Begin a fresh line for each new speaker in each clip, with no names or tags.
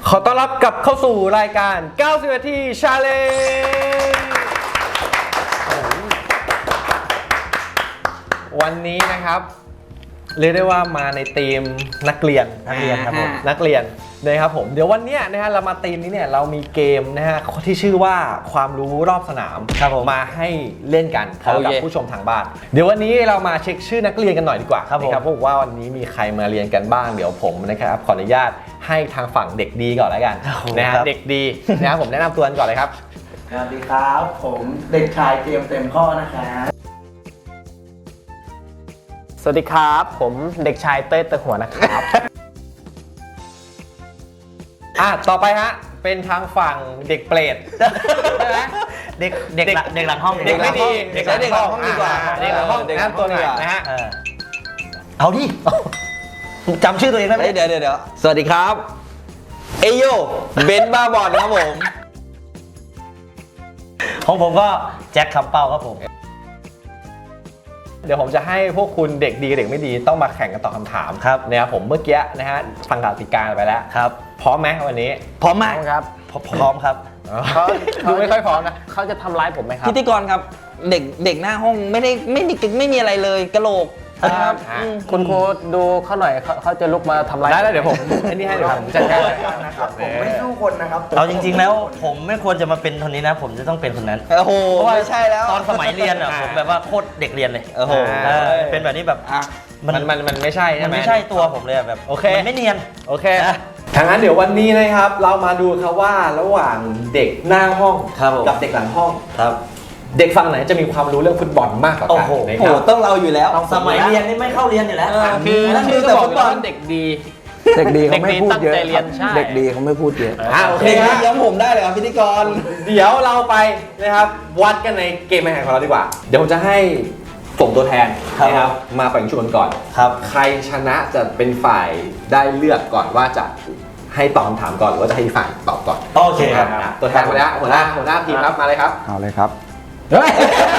ขอต้อนรับกลับเข้าสู่รายการ 90 นาที Challenge วันนี้นะครับเรียกได้ว่ามาในธีมนักเรียนครับผมนักเรียนนะครับผมเดี๋ยววันนี้นะฮะเรามาธีมนี้เนี่ยเรามีเกมนะฮะที่ชื่อว่าความรู้รอบสนามมาให้เล่นกันพร้อมกับผู้ชมทางบ้านเดี๋ยววันนี้เรามาเช็คชื่อนักเรียนกันหน่อยดีกว่าครับผมว่าวันนี้มีใครมาเรียนกันบ้างเดี๋ยวผมนะครับขออนุญาตให้ทางฝั่งเด็กดีก่อนแล้วกันนะฮะเด็กดีนะครับผมแนะนำตัวกันก่อนเลยครับ
สวัสดีครับผมเด็กชายเตรียมเต็มข้อนะครับ
สวัสดีครับผมเด็กชายเต้ยเตะหัวนะครับ
ต่อไปฮะเป็นทางฝั่งเด็กเปรตใช่ไหม
เด็กหลังห้อง
เด็กไม่ดีเด็กหลังห้อง
ดีกว่า
เด็กหลังห้องแนะนำตัวหน่อยนะฮะ
เอาดิจำชื่อตัวเองได้ไหมเดี๋ยวสวัสดีครับเอโยเบนบ้าบอลครับผมของผมก็แจ็คคำเป้าครับผม
เดี๋ยวผมจะให้พวกคุณเด็กดีกับเด็กไม่ดีต้องมาแข่งกันตอบคำถามครับนะครับผมเมื่อกี้นะฮะฟังกติกาไปแล้วครับพร้อมไหมวันนี้
พร้อมมาก
ครับ
พร้อมครับ
เขา
ดูไม่ค่อยพร้อมนะ
เขาจะทำร้ายผมไหมครับ
พิธีกรครับเด็กหน้าห้องไม่มีอะไรเลยกะโหลก
ครับคุณครูดูเขาหน่อยเขาจะลุกมาทำร้าย
ได้แล้วเดี๋ยวผมอันนี้ให้เดี๋ยวผมจัดการ
นะครับผมไม่สู้คนนะครับ
เอาจริงๆแล้วผมไม่ควรจะมาเป็นคนนี้นะผมจะต้องเป็นคนนั้นโอ้โหไม่ใช่แล้วตอนสมัยเรียนอ่ะผมแบบว่าโคตรเด็กเรียนเลยโอ้โหเป็นแบบนี้แบบ
มันไม่ใช่ใช่ไหม
มันไม่ใช่ตัวผมเลยแบบ
โอเค
มันไม่เนียน
โอเคทางนั้นเดี๋ยววันนี้นะครับเรามาดูครับว่าระหว่างเด็กหน้าห้องกับเด็กหลังห้อง
ครับ
เด็กฝั่งไหนจะมีความรู้เรื่องฟุตบอลมากกว่ากัน
นะครับต้องเราอยู่แล้วสมัยเรียนนี่ไม่เข้าเรียนอยู่แล้ว
คือแต่ฟุตบอลเด็กดี
เขาไม่พูดเยอะเด็กดีเขาไม่พูดเยอะ
โอเค
ย้ำผมได้เลยครับพิธีกร
เดี๋ยวเราไปนะครับวัดกันในเกมแข่งขันของเราดีกว่าเดี๋ยวผมจะให้ส่งตัวแทนนะครับมาแบ่งชุดกันก่อนครับใครชนะจะเป็นฝ่ายได้เลือกก่อนว่าจะให้ตอบคำถามก่อนหรือว่าจะให้ฝ่ายตอบก่อน
โอเคครับ
ตัวแทนมาแล้วหัวหน้าทีมครับมาเลยครับ
เอาเลยครับ
เฮ้ย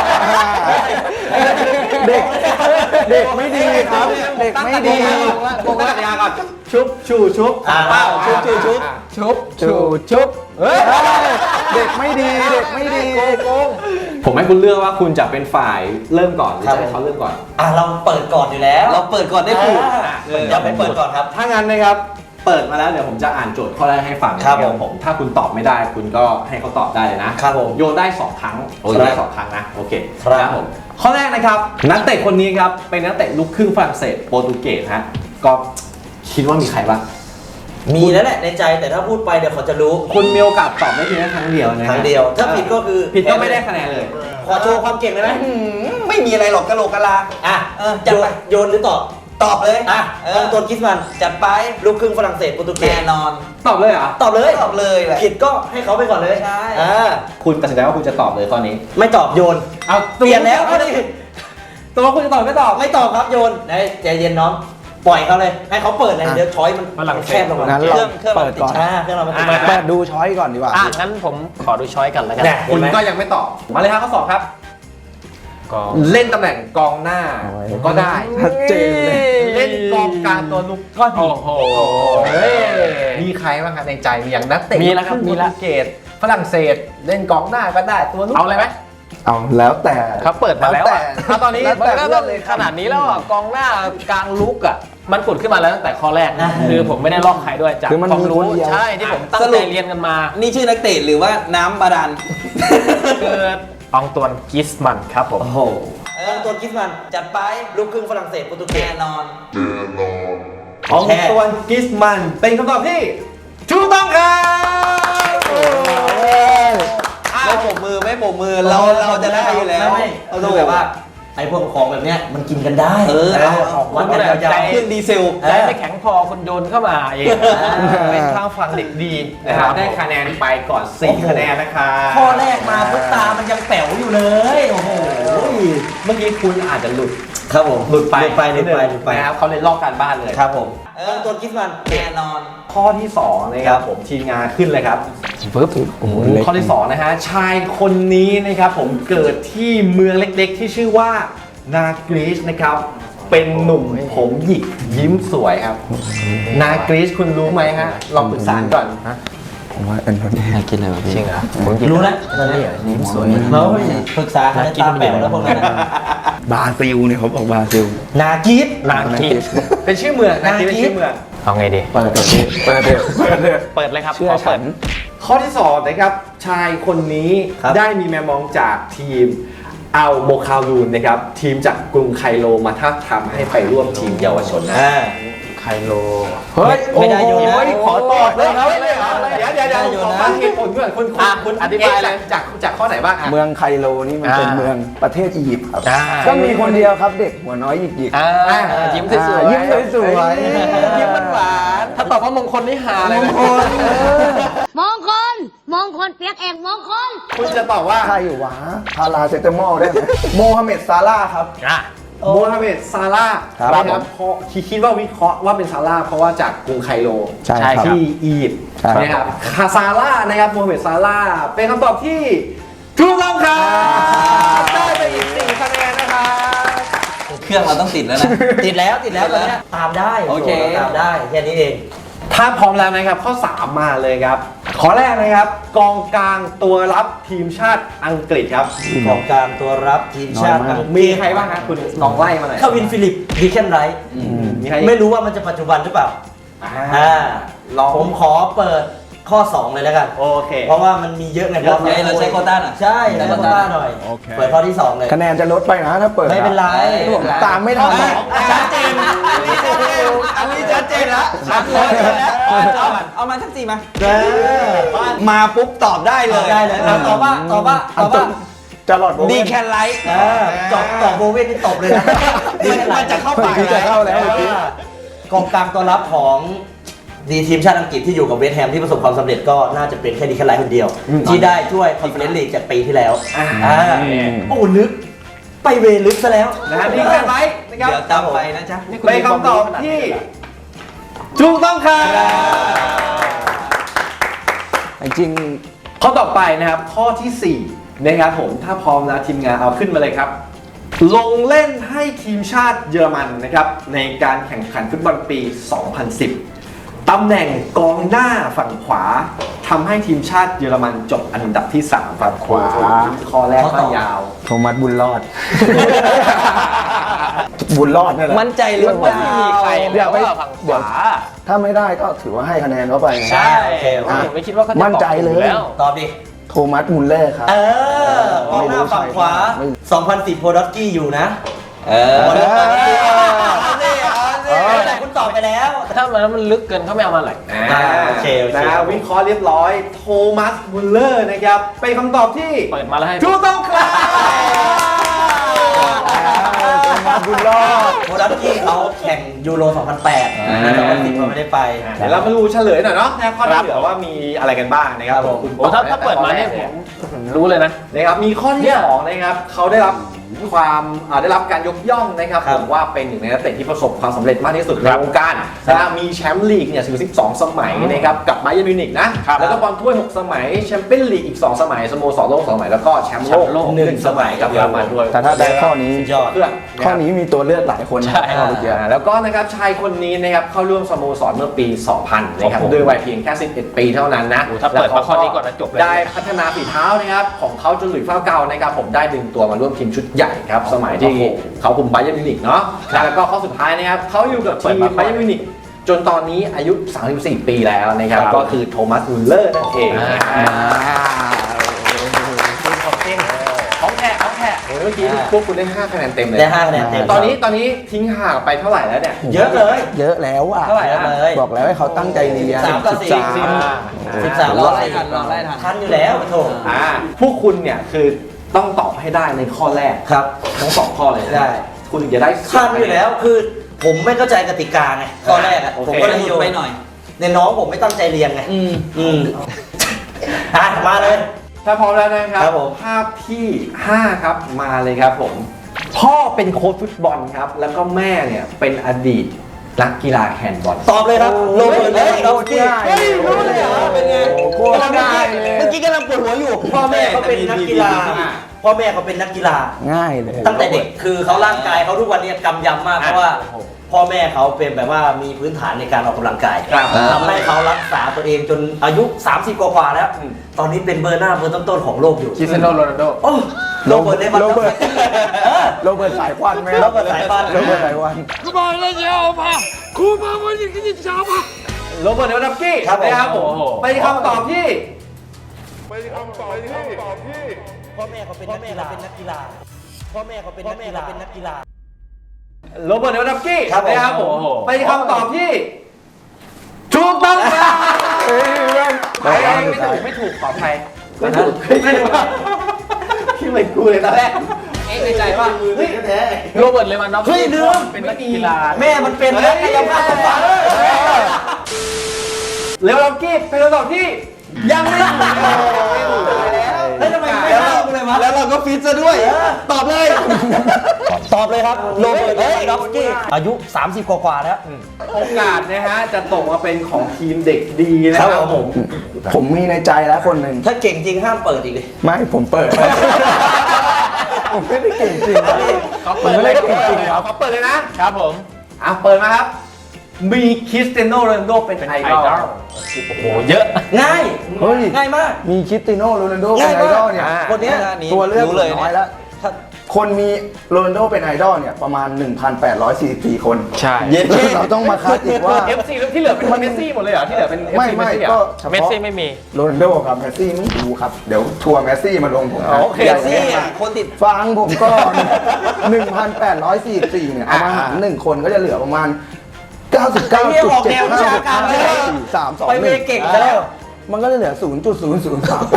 เด็กไม่ดีครับเด็กไม่ดี
โกงกติกาก่อนชุบชูชุบเป้าชุบชูชุบชุบเฮ้ย
เด็กไม่ดี
โกงผมให้คุณเลือกว่าคุณจะเป็นฝ่ายเริ่มก่อนหรือจะให้เขาเริ่มก่อน
เราเปิดก่อนอยู่แล้วเราเปิดก่อนได้ถูกอย่าไปเปิดก่อนครับ
ถ้างั้นนะครับเปิดมาแล้วเดี๋ยวผมจะอ่านโจทย์ข้อแรกให้ฟังนะครับผมถ้าคุณตอบไม่ได้คุณก็ให้เขาตอบได้เลยนะครับผมโยนได้2ครั้งได้2ครั้งนะโอเคครับผมข้อแรกนะครับนักเตะคนนี้ครับเป็นนักเตะลูกครึ่งฝรั่งเศสโปรตุเกสฮะก็คิดว่ามีใครบ้าง
มีแล้วแหละในใจแต่ถ้าพูดไปเดี๋ยวเขาจะรู้
คุณมีโอกาสตอบได้เพียงแค่ครั้งเดียวนะ
ครั้งเดียวถ้าผิดก็คือ
ผิดก็ไม่ได้คะแนนเลย
ขอโชว์ความเก่งเลยไหมไม่มีอะไรหรอกกะโหลกกะลาจัดไปโยนหรือตอบเลยตัวคิสมันจัดไปลูกครึ่งฝรั่งเศสโปรตุเกสแน่นอน
ตอบเลยเหรอ
ตอบเลยผิดก็ให้เขาไปก่อนเลยใช่
คุณตัดสินใจว่าคุณจะตอบเลยข้อนี้
ไม่ตอบโยน
เอา
เปลี่ยนแล้ว
ตัวคุณจะตอบไม่ต
อบครับโยนใจเย็นน้องปล่อยเขาเลยให้เขาเปิดเลยเดี๋ยวช้อยมันแคบลงมา
งั้นเราเปิดก่อน
เครื่องเรา
เปิดดูช้อยก่อนดีกว่า
งั้นผมขอดูช้อยกันแล้วกัน
คุณก็ยังไม่ตอบมาเลยครับข้อ 2ครับเล่นตำแหน่งกองหน้าก็ได้
ชัดเจนเลย
เล่นกองกลางตัวลุกก็ดีมีใครบ้างครับในใจมีอย่างนักเตะ
มีแล้วครับมีแล้ว
เกตฝรั่งเศสเล่นกองหน้าก็ได้ตัวลุก
เอาเลยไหม
เอาแล้วแต่
เขาเปิดมาแล้วตอนนี้ขนาดนี้แล้วกองหน้ากลางลุกมันปุดขึ้นมาแล้วตั้งแต่ข้อแรกคือผมไม่ได้ลอกใครด้วยจากความรู้ใช่ที่ผมตั้งใจเรียนกันมา
นี่ชื่อนักเตะหรือว่าน้ำบาดาล
คือองตวนกิสมันครับผม
องตวนกิสมันจัดไปลูกครึ่งฝรั่งเศสโปรตุเกสแน่นอน
องตวนกิสมันเป็นคำตอบที่ถูกต้องครับ
ไม่โบกมือเราจะได้อยู่แล้วเราต้องแบบว่าไอ้พวกของแบบเนี้ยมันกินกันได้
วัดกันยาว
ๆเครื่องดีเซล
ได้ไม่แข็งพอคุณโยนเข้ามาเอง
เป็นทางฝั่งเด็กดีนะครับได้คะแนนไปก่อน4คะแนนนะครับ
ข้อแรกมาปุ๊บตามันยังแป๋วอยู่เลยโอ้โห
เมื่อกี้คุณอาจจะหลุด
ครับผม
หลุดไปนะครับเขาเลยลอกการบ้านเลย
ครับผมตัวคิดมันแน่นอน
ข้อที่2นะครับผมทีมงานขึ้นเลยครับข้อที่2นะฮะชายคนนี้นะครับผมเกิดที่เมืองเล็กๆที่ชื่อว่านา กรีซนะครับเป็นหนุ่มผมหยิกยิ้มสวยครับ นากรีซคุณรู้ไหมฮะลองปรึกษาก่อน
ผมว่าอันนี้
น่ากินเลยจริงเหรอ
รู้แล้วตอนนี้ยิ้มสวยเราปรึกษาเขาตาแป๋วแล้วพวกนั้น
บราซิลเนี่ยเขาบอกบราซิล
นากีด
นากีซเป็นชื่อเมืองนากีซเป็นชื่อเมือง
เอาไงดี
เปิดเถอะ
เปิดเลยครับ
เชื่อ
ขเปิ
ฉั
ด
น
ข้อที่2นะครับชายคนนี้ได้มีแมวมองจากทีมอัลโมคาลูนนะครับทีมจากกรุงไคโรมาท้าบทามให้ไปร่วมทีมเยาวชนนะ
ไคโล
เฮ้ย
ไม่ได้โยนนะ
ขอตอบเลยครับ
ไม่ได้โยนนะ
เดี๋ยวขอฟังเหตุผลก่อนคุณ
อธิบายเลย
จากข้อไหนบ้างอ่ะ
เมืองไคโรนี่มันเป็นเมืองประเทศอียิปต์ครับ
อ่า
ก็มีคนเดียวครับเด็กหัวน้อยหยิก
ยิ้มสวยๆ
ยิ้มสวยๆ
ยิ้มหวานๆถ้าตอบว่ามงคลนี่หาเลยนะ
มงคล มงคลเปียกเอกมงคล
คุณจะตอบว่า
ใช่อยู่วะพาราเซตามอลได้ไหมโมฮัมเหม็ดซาร่าห์ครับ
โมฮัมเหม็ดซาร่าห์
ครับ
นะครับเพราะคิดว่าวิเคราะห์ว่าเป็นซาร่าห์เพราะว่าจากกรุงไคโร
ใช่ครับ
ที่อียิปต์
ใช่
นะครับซาร่าห์นะครับโมฮัมเหม็ดซาร่าห์เป็นคำตอบที่ถูกต้องครับได้ไปอีก4คะแนนนะครับ
เครื่องเราต้องติดแล้วนะ ติดแล้วตอนนี้ตามได้โอเคตามได้แค่นี้เอง
ถ้าพร้อมแล้วนะครับข้อ 3 มาเลยครับข้อแรกนะครับกองกลางตัวรับทีมชาติอังกฤษครับ
ของกลางตัวรับทีมชาติ
น้อยมาก
มีใครบ้างครับคุณลองไล่มาหน่อย
คาวินฟิลิปดีแคนไรท์
มีใคร
ไม่รู้ว่ามันจะปัจจุบันหรือเปล่า
ลอง
ผมขอเปิดข้อ 2 เลยแล้วกัน
โอเค
เพราะว่ามันมีเยอะไง
เยอะไงเราใช้โควต้าหน่อย
ใช่ใช้โควต้าหน่อย เปิดข้อที่ 2 เลย
คะแนนจะลดไปนะถ้าเปิด
ไม่เป็นไร
ตามไม่ทัน
ชัดเจนอันนี้ชัดเจนแล้วชัดเลย
เอามาสักสี่มา
มาปุ๊บตอบได้เลยตอบว่า
จะหลอด
ดีแคนไลท์จบตอบโบเว่นนี่ตบเลยนะมันจะเข้าปาก
จะเข้าแล้ว
กองกลางตัวรับของดีทีมชาติอังกฤษที่อยู่กับเวสต์แฮมที่ประสบความสำเร็จก็น่าจะเป็นแค่ดีแคนไลท์คนเดียว ที่ได้ถ้วยคอนเฟอเรนซ์ลีกจากปีที่แล้วโอ้ลึกไปเวลึกซะแล้ว
นะดีแค่ไหมนะครับ
เดี๋ยวตามไปนะจ๊ะ
เป็นคำตอบที่ถูกต้องครับ
จริง
ข้อต่อไปนะครับข้อทีสี่4นะครับผมถ้าพร้อมแล้วทีมงานเอาขึ้นมาเลยครับ ลงเล่นให้ทีมชาติเยอรมันนะครับในการแข่งขันฟุตบอลปี 2010 ตำแหน่งกองหน้าฝั่งขวาทำให้ทีมชาติเยอรมันจบอันดับที่ 3 ฝั่งขวาข้อแรกก็ยาว
โทมัสบุญรอด บุญรอดนี่แหละ
มั่นใจหรือเปล่า
ไม่มีใคร
เดี๋ยวไป
ฝั่งขวา
ถ้าไม่ได้ก็ถือว่าให้คะแนนเขาไปไง
ใช่
โอเค
ผมไม่คิดว่าเขาจะ
มั่นใจเลย
ตอบถูกแล้ว
ตอบดิ
โทมัสมุลเลอร์ครับ
กองหน้าฝั่งขวา 2010โพดอสกี้อยู่นะแต่คุณตอบไปแล้ว
ถ้ามันลึกเกินเขาไม่เอามาหรอก
โอเค
นะวิเคราะห์เรียบร้อยโทมัสมุลเลอร์นะครับเป็นคำตอบที่
เปิดมาแล้วให้
ถูกต้องครับ
บุญรอด
โพดอสกี้เขาแข่งยูโร 2008 2010เขาไม่ได้ไป
เดี๋ยวเรามาดูเฉลยหน่อยเนาะนะข้อที่เหลือว่ามีอะไรกันบ้างนะครับ
ครับผม
คุณ
โอ้ถ้าเปิดมาเนี่ยผมรู้เลยนะ
นะครับมีข้อที่สองนะครับเขาได้รับความได้รับการยกย่องนะครับผมว่าเป็นหนึ่งในนักเตะที่ประสบความสำเร็จมากที่สุดในวงการนะมีแชมป์ลีกเนี่ยถึง12 สมัยนะครับกับไบเยิร์นมิวนิกนะแล้วก็บอลถ้วย 6 สมัยแชมเปี้ยนลีกอีก 2 สมัยสโมสรโลก 2 สมัยแล้วก็แชมป์โลก 1 สมัยกับเยอรมันด้วย
แต่ถ้าได้ข้อนี้
ยอด
เพื่อน
ข้อนี้มีตัวเลือกหลายคน
ใช่
ข้อเมื่อกี้
แล้วก็นะครับชายคนนี้นะครับเข้าร่วมสโมสรเมื่อปี 2000 นะครับด้วยวัยเพียงแค่ 11 ปีเท่านั้นนะ
โอ้ถ้าเปิดมาข้อนี้ก่อนนะจบเลย
ได้พัฒนาฝีเท้านะครับของเขาจนหลุยส์ฟ้าเก่านะครับผมได้ดึงตัวมาร่วมทีมชุดใหญ่ครับสมัยที่เขาคุมไบเยิร์นมิวนิกเนาะแล้วก็ข้อสุดท้ายนะครับเขาอยู่กับทีมไบเยิร์นมิวนิกจนตอนนี้อายุ 34 ปีแล้วนะครับก็คือโทมัสมุลเลอร์นั่นเองของแท้เมื่อกี้พวกคุณได้ 5 คะแนนเต็มเลย
ได้5คะแนนเต็ม
ตอนนี้ทิ้งห่างไปเท่าไหร่แล้วเนี่ย
เยอะเลย
เยอะแล้วอ่ะ
เท่าไหร่นะเลย
บอกแล้วให้เขาตั้งใจเรียน
13กับ4 13
รอไล่ทันรอไล่ทัน
ทันอยู่แล้วโถ
พวกคุณเนี่ยคือต้องตอบให้ได้ในข้อแรก
ครับ
ทั้ง2 ข้อเลย
ได้
คุณถึงจะได้
ทันอยู่แล้วคือผมไม่เข้าใจกติกาไงตอนแรกอะ
โอเค
ผมก็เลยโยน
ไปหน่อย
ในน้องผมไม่ตั้งใจเรียนไงมาเลย
ถ้าพร้อมแล้วนะครับ
ครับผม
ภาพที่ 5 ครับมาเลยครับผม พ่อเป็นโค้ชฟุตบอลครับ แล้วก็แม่เนี่ยเป็นอดีตนักกีฬาแฮนด์บอล
ตอบเลยครับโรเบิร์ตเลวันดอฟสกี้
เฮ้ยรู้เลยเหรอ
เป็นไง
โคตรง่ายเลย
เมื่อกี้กำลังปวดหัวอยู่พ่อแม่เขาเป็นนักกีฬาพ่อแม่เขาเป็นนักกีฬา
ง่ายเลย
ตั้งแต่เด็กคือเขาร่างกายเขาทุกวันนี้กำยำมากเพราะว่าพ่อแม่เขาเป็นแบบว่ามีพื้นฐานในการออกกำลังกายทำให้เขารักษาตัวเองจนอายุ 30 กว่าๆแล้ว ตอนนี้เป็นเบอร์หน้าเบอร์ต้นๆของโลกอยู่
คริสเตียโนโรนัลโด
โอ้โรเบิร์ตเลวัน
โรเบิร์ตโรเบิร์ตสายควันไหม
โรเบิร์ตสายควัน
โรเบิร์ตสายควัน
โรเบิร์ตเลวานดอฟสกี้
ครับผม
นะครับผมไปนคำตอบที่
พ่อแม่เขาเป็นนักกีฬาพ่อแม่เขาเป็นนักกีฬา
โรเบิร์ตเลวานดอฟสกี้
ครับผม
นะครับผมไปนคำตอบที่ถูกต้องครับไม่ถูกขออภัยไม่ถูกที่เหมือนกูเลยตอนแรกในใจว่าเฮ้ย
แท้
โรเบิร์ตเลวันดอฟส
เฮ้ย
กี้
ลืม
เป็นนักกีฬา
แม่มันเป็นนักกายภาพบำบัด
เลวานดอฟสกี้เป็นคำตอบที่ยังไม่ถูก
แล้วทำไมไม่เล่ากูเลยวะ
แล้วเราก็ฟิตซะด้วย
ตอบเลยครับโรเบิร์ตเลวันดอฟสกี้อายุ 30 กว่าๆแล้ว
โอกาสนะฮะจะตกมาเป็นของทีมเด็กดีนะครับผม
ผมมีในใจแล้วคนหนึ่ง
ถ้าเก่งจริงห้ามเปิดอีกเลย
ไม่ผมเปิด ผมไม่ได้เก่งจริงครับ
เขา
ผม
เปิด
ไม่
เล
ได้
ย
เก่งจริงครับ
เขาเปิดเลยนะครับ
ผม
เปิดมาครับ มีคริสเตียโนโรนัลโดเป็นไอดอล
โอ้โหเยอะ
ง่าย
เฮ้ย
ง่ายมาก
มีคริสเตียโนโรนัลโดเป็นไอดอลเนี่ย
คนเนี้ย
ตัวเลือก
รู้เลย
น้อยแล้วถ้าคนมีโรนัลโดเป็นไอดอลเนี่ยประมาณ 1,844 คน
ใช่
เย็นเราต้องมาคัดอีกว่า
FC ที่เหลือเป็นเมสซี่หมดเลยเหรอที่เหลือเป็น FC
ไม่
เมสซี่เหร
ก็
อ
เฉ
เมส
พาะ
ซี่ไม่มี
โรนัลโดกับเมสซี่ไม่ดูครับ เดี๋ยวทัวร์เมสซี่มาลงผมนะ
โอเค
ใหญ่
ซี่
แน่
อ่ะคนติด
ฟังผมก่อน 1,844 เนี่ย เอามาหาร1คนก็จะเหลือประมาณ
ไอ้เหี้ยออกแนววิชาการเลย
99.754321
ไปเวเก่งซะแล้ว
มันก็จะเหลือ 0.0038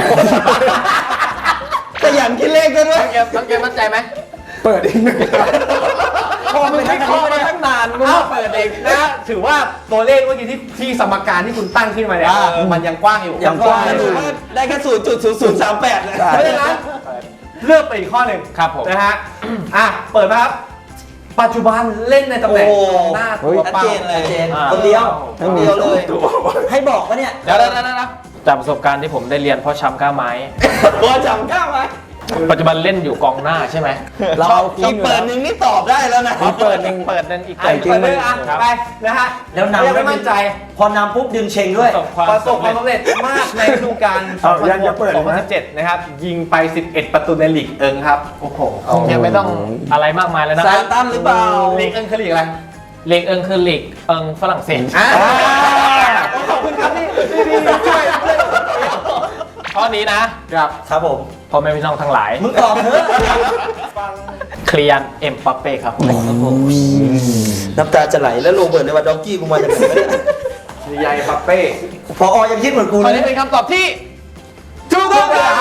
ขยันคิดเลขกันด้วย
น้องเกมมั่นใจไหม
เปิดอีกหนึ่ง
พอมันไม่เข้ามาตั้งนานมึง
เอ้า
มาเปิดเอง
นะถือว่าตัวเลขเมื่อกี้ที่สมการที่คุณตั้งขึ้นมาเนี่ยมันยังกว้างอยู่
ยังกว้างอยู่ได้แค่0.0038เลย
เพราะฉะนั้นเลือกไปอีกข้อหนึ่ง
ครับผม
นะฮะเปิดมาครับ ปัจจุบันเล่นในตำแหน่งกองหน้าตัว
ชัด
เป้า
เจนเลยคนเดียวเลย ให้บอกว่าเนี่ย
เดี๋ยวจากประสบการณ์ที่ผมได้เรียนพ่อช้ำก้าไม้
ตัวจำก้าวไหม
ปัจจุบันเล่นอยู่กองหน้าใช่ไหม
เราเอา
อีกเปิดหนึ่งนี่ตอบได้แล้วนะ
เปิดหนึ่งอีก
ไปจริงเลยไปนะฮะ
แล้วนำ
ยังไม่มั่นใจ
พอนำปุ๊บดึงเชงด้วย
ประสบความสำเร็จมากในฤดูกาล
ยังจะเปิดไหม
2017 นะครับ ยิงไป 11 ประตูในลีกเอิงครับ โอ้โห
ยังไม่ต้องอะไรมากมายแล้วนะ
ซาตันหรือเปล่า
ลีกเอิงคือลีกอะไร
ลีกเอิงคือลีกเอิงฝรั่งเศส
ขอบคุณครับที่ช่วย
ข้อนี้นะครับ
ครับผม
พ่อแม่พี่น้องทั้งหลาย
มึงตอบเถอะ
เคลียนเอ็มบัปเป้ครับผม
น้ำตาจะไหลแล้วโรเบิร์ตเลวันดอฟสกี้กูมาจากไหนวะเนี่ย
ใหญ่ปัปเป้
พอยังคิดเหมือนกู
ข้อ
เล
นี้
ย
เป็นคำตอบที่
ถูกต้องครับ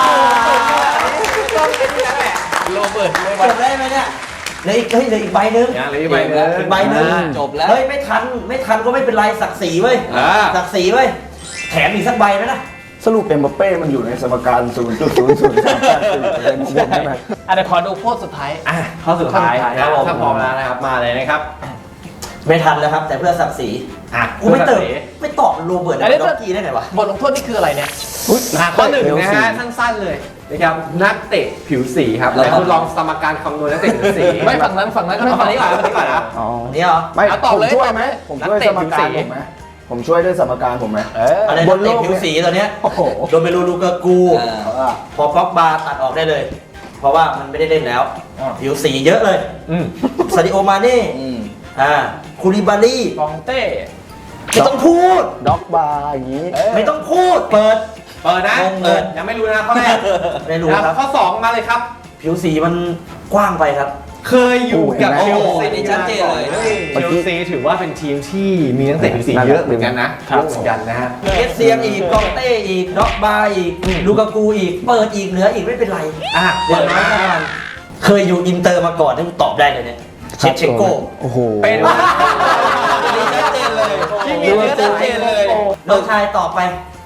โรเบิร์ตเล
จ
วัน
บได้ไหมเนี่ยเหลืออีกใบหนึง
อย่างเลยไปเลย
อีกใบหนึง
จบแล้ว
เฮ้ยไม่ทันก็ไม่เป็นไรศักดิ์ศรีเว้ยศักดิ์ศรีเว้ยแถมอีกสักใบไหมนะ
สรุปเอ็มบัปเป้มันอยู่ในสมการ 0.0038เป็นของผมใช่ไหม
เดี๋ยวขอดูโพสต์สุดท้าย
ข้อสุดท้าย
ครับผม
ถ้าพร้อมแล้วนะครับ มาเลยนะครับ
ไม่ทันแล้วครับ แต่เพื่อศักดิ์ศรีกูไม่ไม่ตอบโรเบิร์ตเลวันดอฟสกี้ได้ไงวะ
บทลงโทษนี่คืออะไรเนี่ย
ข้อหนึ่งนะฮะสั้นๆเลยนะครับนักเตะผิวสีครับ
แล้ว
แต่คุณลองสมการคำนวณนักเตะผิวสี
ไม่ฝั่งนั้นก็
ฝั่งนี้ก่อนนะ
อ๋อ
นี่เหรอ
ไม่
เอาตอบ
ผม
เลย
ช่วยไหมผมช่วยสมการผมไหมผมช่วยด้วยสมการผมไหม
อะไร
บ
นัก
นโล
เตะ
ก
ผิวสีตอนเนี้ย
โอ้โห
โดเมลูลูกากู พอป็อกบาตัดออกได้เลย เพราะว่ามันไม่ได้เล่นแล้ว ผิวสีเยอะเลยซาดิโอมาเน่คูลิบาลี
กองเต้
ไม่ต้องพูด
ด็อกบาร์อย่างนี้
ไม่ต้องพูด เปิด
นะ
เปิด
ยังไม่รู้นะข้อแรก
ไม่รู้ครับ
ข้อ 2 มาเลยครับ
ผิวสีมันกว้างไปครับ
เคยอยู่กับ
โอ้
เช
โห
ลซี
นี่ชัดเจนเลย
เชลซีถือว่าเป็นทีมที่มีนักเตะผิวสีเยอะเหมือนกันนะเยอะเหมือนกันนะฮะ
เอสเซียมอีกกองเต้อีกด็อกบาอีกลูกากูอีก เปิดอีกเหลืออีกไม่เป็นไร
เปิดมา
เคยอยู่อินเตอร์มาก่อนที่ตอบได้เลยเนี่ยเชฟเชโก้
โอ้โห
เป็น
ชัดเจนเลย
ที่มีเนื้อชัดเจนเลย
น้องชายตอบไป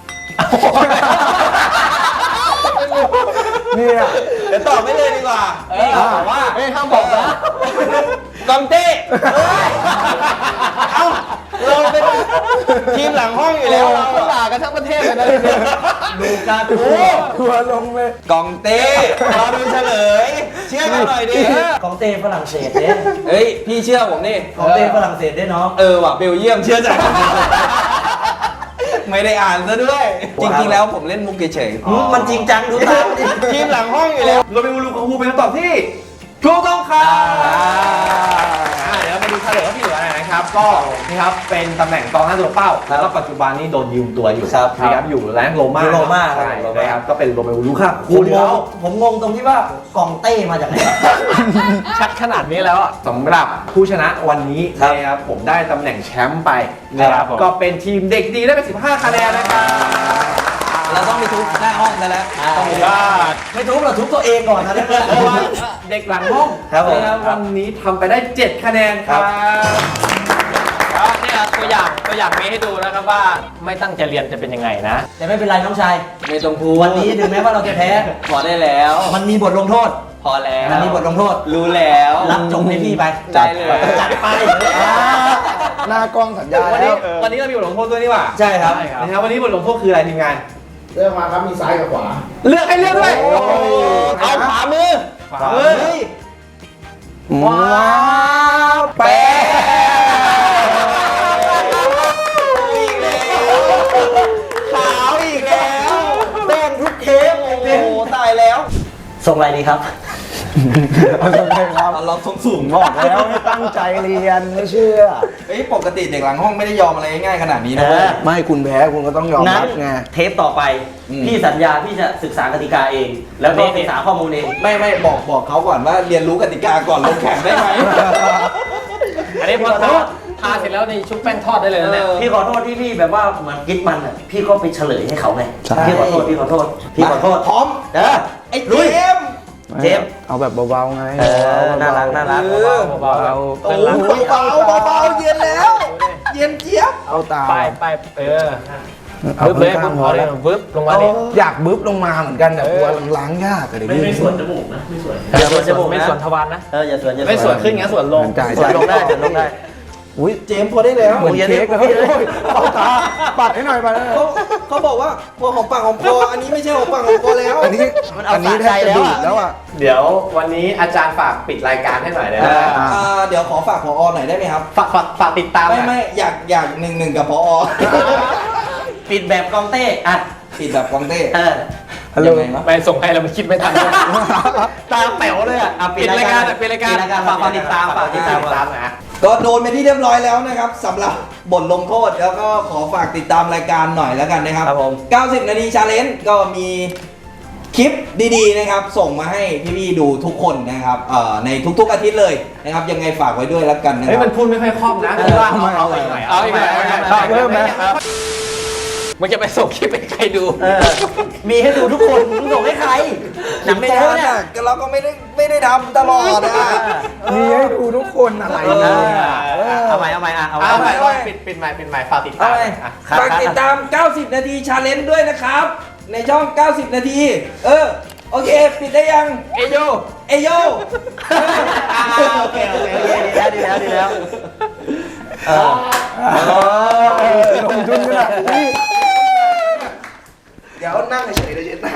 เนี่ย
เดี๋ยวตอบไม่เลยดีกว่าตอบว่า
ห้ามบอกนะ
กองเต้เอ้าเราเป็นทีมหลังห้องอยู่แล้ว
เราด่ากันทั้งประเทศเลยนะ
ดูการดู
ทัวร์ลงเลย
กองเต้รอดูเฉลย เชื่อกันหน่อยดิ
ของเต้ฝรั่งเศสเนี่ย
เฮ้ย พี่เชื่อผมนี่
ของเต้ฝรั่งเศสได้น้อง
ว่ะเบลเยียมเชื่อใจไม่ได้อ่านซะด้วย จริงๆแล้วผมเล่นมุกเฉย
มันจริงจังดูตามดิ
ทีมหลังห้องอยู่แล้ว
โรเมโอลูกาคูเป็นคำตอบที่ถูกต้องครับเดี๋ยวมาดูเฉลยว่าที่เหลืออะไรนะครับ ก็นี่ครับเป็นตำแหน่งกองหน้าตัวเป้า แล้วก็ปัจจุบันนี้โดนยืมตัวอยู่นะครับอยู่แรงโรม่า
โรม่า
ใช่นะครับก็เป็นโรเมโอลูกา
ผ
คู
มง
แล้
ง
ว
ผมงงตรงที่ว่ากองเต้มาจากไหน
ชัดขนาดนี้แล้วอ่ะ
สำหรับผู้ชนะวันนี้
ครับ
นะครับผมได้ตำแหน่งแชมป์ไปนะครับ
ผม
ก็เป็นทีมเด็กดีได้ไป15 คะแนนนะครับ
เราต้องไปทุบหน้าห้องกันแล้ว
ไม่ทุบหรอกทุบตัวเองก่อนนะเนี่ย
เพราะว่าเด็กหลังห้อง
ครับผม
นะครับวันนี้ทำไปได้ 7 คะแนนครับ
ก็เนี่ยตัวอย่างมีให้ดูนะครับว่าไม่ตั้งใจเรียนจะเป็นยังไงนะ
แต่ไม่เป็นไรน้องชาย
ไม่ต้องพูด
วันนี้ถึงแม้ว่าเราจะแพ้
พอได้แล้ว
มันมีบทลงโทษ
พอแล้ว
มันมีบทลงโทษ
รู้แล้ว
รับจงให้พี่ไป
ได้เลย
จัดไป
หน้ากล้องสัญญา
วัน
แล้
นี้
ว
วันนี้เรามีบทลงโทษด้วยนี่หว่า
ใช่ครับ
นะครับวันนี้บทลงโทษคืออะไรทีมงาน
เลือกมาครับมีซ้ายกับขวา
เลือกให้เลือกด้วย
โอ้โห
เอาขวามือ
เฮ้ย
ว้าวแปะ
ขาวอีกแล้วแป้งทุกเทป
โอ้โหตายแล้ว
ส่งอะไรดีครับ
เอาทำไมครับ
เราสูง
บอกแล้วให้ตั้งใจเรียนไม่เชื่อ
เฮ้ยปกติเด็กหลังห้องไม่ได้ยอมอะไรง่ายๆขนาดนี้นะ
เออ
ไม่คุณแพ้คุณก็ต้องยอม
นั้
รั
น
บไง
เทปต่อไป พี่สัญญาพี่จะศึกษากติกาเอง แล้วก็ศึกษาข้อมูลเอง
ไม่บอกเขาก่อนว่าเรียนรู้กติกาก่อนลงแข่งได้ไหม
อันนี้พอทาเสร็จแล้วในชุบแป้งทอดได้เลยนะเนี่ย
พี่ขอโทษที่พี่แบบว่าเหมือนกิดมันอ่ะพี่ก็ไปเฉลยให้เขาไง
ใช่
พี่ขอโทษพี่ขอโทษพี่ขอโทษ
พร้อม
เออ
ไอ้
ลุ
เจ
ย
มส์
เจมส์
เอาแบบเบาๆไง
เออน่ารักน่ารัก
เบา
เอา
โอ้โหเบาๆเย็นแล้ว เย็นเจี๊ยบ
เอาตา
ไปเออ
เอา
บึ๊บเลย
ข้าง
บึ๊บ
พอ
เล
แล้
ยว บึ๊บลงมาดิ
อยากบึ๊บลงมาเหมือนกันแต่กลัวล้างยากอะเดี๋ยว
ไม่ส่วนจมูกนะไม่ส่วน
อย่าสวนจมูกไม่สวนทวารนะ
เอออย่าส่วนอย่า
ไม่ส่วนขึ้นงั้นส่วนลง
จ่าย
ส่วนลงได้ส่วนลงได้
อุ้ย
เจมส์พอได้แล้ว
เหมือนเค้กเลยเอาตาปัดให้หน่อยปัดให้หน่อย
เขาบอกว่าพอหอมปากหอมคออันนี้ไม่ใช่หอมปากหอมคอแล้ว
อันนี้
มันเอา
อันนี้แทบจะดูดแล้วอ่ะ
เดี๋ยววันนี้อาจารย์ฝากปิดรายการให้หน่อยได้ไหม
เดี๋ยวขอฝากผอหน่อยได้ไหมครับ
ฝากติดตามหน่อย
ไม่อยากหนึ่งกับผอ
ปิดแบบกองเต้อ่ะ
ปิดแบบกองเต้
เออ
ฮัลโหล
ยังไงวะ
ไปส่งให้เรามันคิดไม่ทัน
ตาแป๋วเลยอ่ะอ่ะ
ปิดรายการปิดรายการ
ฝากติดตามฝากติดตาม
นะ
ก็โดนไปที่เรียบร้อยแล้วนะครับสำหรับบทลงโทษแล้วก็ขอฝากติดตามรายการหน่อยแล้วกันนะครับ
ครับผม
90 นาทีชาเลนจ์ก็มีคลิปดีๆนะครับ ส่งมาให้พี่ๆดูทุกคนนะครับในทุกๆอาทิตย์เลยนะครับยังไงฝากไว้ด้วยแล้วกันนะค
เฮ้ย
รับ
มันพูดไม่ค่อยคล่องนะคือว่าเอาอีกหน่อย
เอาอีกหน่อย
เริ่มไหม
มันจะไปส่งคลิปให้ใครดู
เออมีให้ดูทุกคนมึงส่งให้ใครหนังโป๊เนี่ย
เราก็ไม่ได้ทำตลอดนะ
มีให้ดูทุกคนอะไรเนี่ย
เอาใหม่เอาใหม่อ่ะเอา
เอาใหม่
ใหม่
ปิดใหม่ฝากติดตาม
ฝากติดตาม 90 นาทีชาเลนจ์ด้วยนะครับ ในช่อง 90 นาที โอเค ปิดได้ยัง
เอโย
เอโย
โอเคดีแล้ว
ลงทุนขนาดนี้
เดี๋ยวนั่งเฉยๆเดี๋ยว